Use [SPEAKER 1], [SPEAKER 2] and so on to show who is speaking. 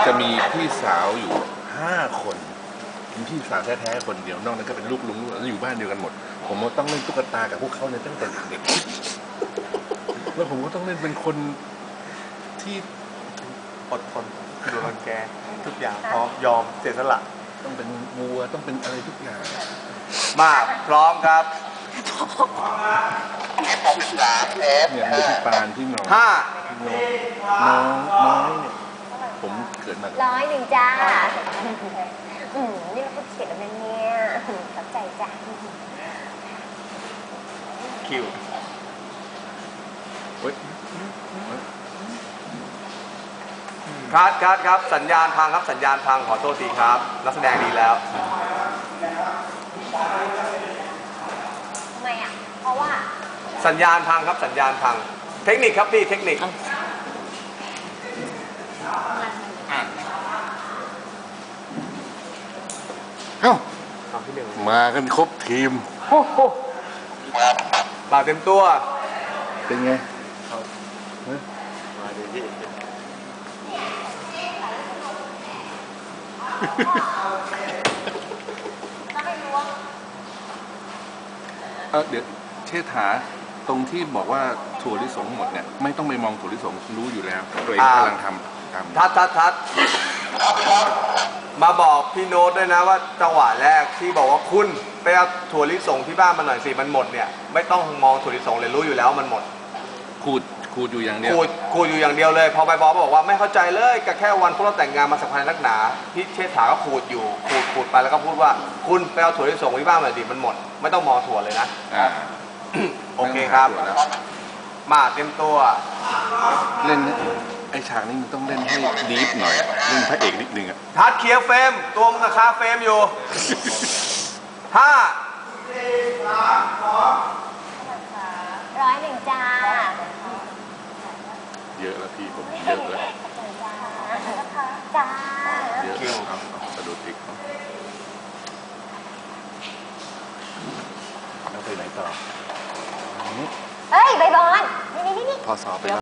[SPEAKER 1] จะมีพี่สาวอยู่5 คนมีพี่สาวแท้ๆคนเดียวนอกนั้นก็เป็นลูกลุงแล้วอยู่บ้านเดียวกันหมดผมก็ต้องเล่นตุ๊กตากับพวกเขาเนี่ยตั้งแต่เด็กๆแล้วผมก็ต้องเล่นเป็นคนที่
[SPEAKER 2] อดทนดูรังแกทุกอย่างพร้อมยอมเสียสละ
[SPEAKER 1] ต้องเป็นวัวต้องเป็นอะไรทุกอย่าง
[SPEAKER 2] มาพร้อมครับ
[SPEAKER 1] เนี่ยมีพี่ปานพี่น้องน้องน้อยเนี่ยผมเกิดมา
[SPEAKER 3] 100จ้านี่เราพูดเสร็จแล้วเนี่ยขอบใจจ้า
[SPEAKER 2] คิวครับสัญญาณพังครับสัญญาณพังขอโทษทีครับนักแสดงดีแล้ว
[SPEAKER 3] ทำไมอ่ะเพราะว่า
[SPEAKER 2] สัญญาณพังครับสัญญาณพังเทคนิคครับพี่เทคนิค
[SPEAKER 1] มากันครบทีม
[SPEAKER 2] บ่าวเต็มตัว
[SPEAKER 1] เป็นไง
[SPEAKER 2] มาดีที่
[SPEAKER 1] เดี๋ยวเชษฐาตรงที่บอกว่าถั่วลิสงหมดเนี่ยไม่ต้องไปมองถั่วลิสงรู้อยู่แล้วตัวเองกำลังทำ
[SPEAKER 2] ทัดมาบอกพี่โน้ตด้วยนะว่าจังหวะแรกที่บอกว่าคุณไปเอาถั่วลิสงที่บ้านมาหน่อยสิมันหมดเนี่ยไม่ต้องมองถั่วลิสงเลยรู้อยู่แล้วมันหมด
[SPEAKER 1] ขูดอยู่อย่างเดียว
[SPEAKER 2] ขูดอยู่อย่างเดียวเลยพอไปบอกว่าไม่เข้าใจเลยก็แค่วันพวกเราแต่งงานมาสักพักนักหนาพี่เชษฐาก็ขูดไปแล้วก็พูดว่าคุณไปเอาถั่วลิสงที่บ้านมาดิมันหมดไม่ต้องมองถั่วเลยนะโอเคครับมาเตรียมตัว
[SPEAKER 1] เล่นไอฉากนี้มันต้องเล่นให้ดีฟหน่อยเล่นพระเอกนิดนึงอะ
[SPEAKER 2] ทัดเคลียร์เฟรมตัวมันกับคาเฟรมอยู่5 4 3 2
[SPEAKER 3] 101จ้า
[SPEAKER 1] เยอะแล้วพี่ผมเยอะแล้ว
[SPEAKER 3] จ้า
[SPEAKER 1] เยอะเอาสะดุดอีกแล้วไปไหนต่อ
[SPEAKER 3] เฮ้ยใบบอลนี่
[SPEAKER 1] พอสอบไป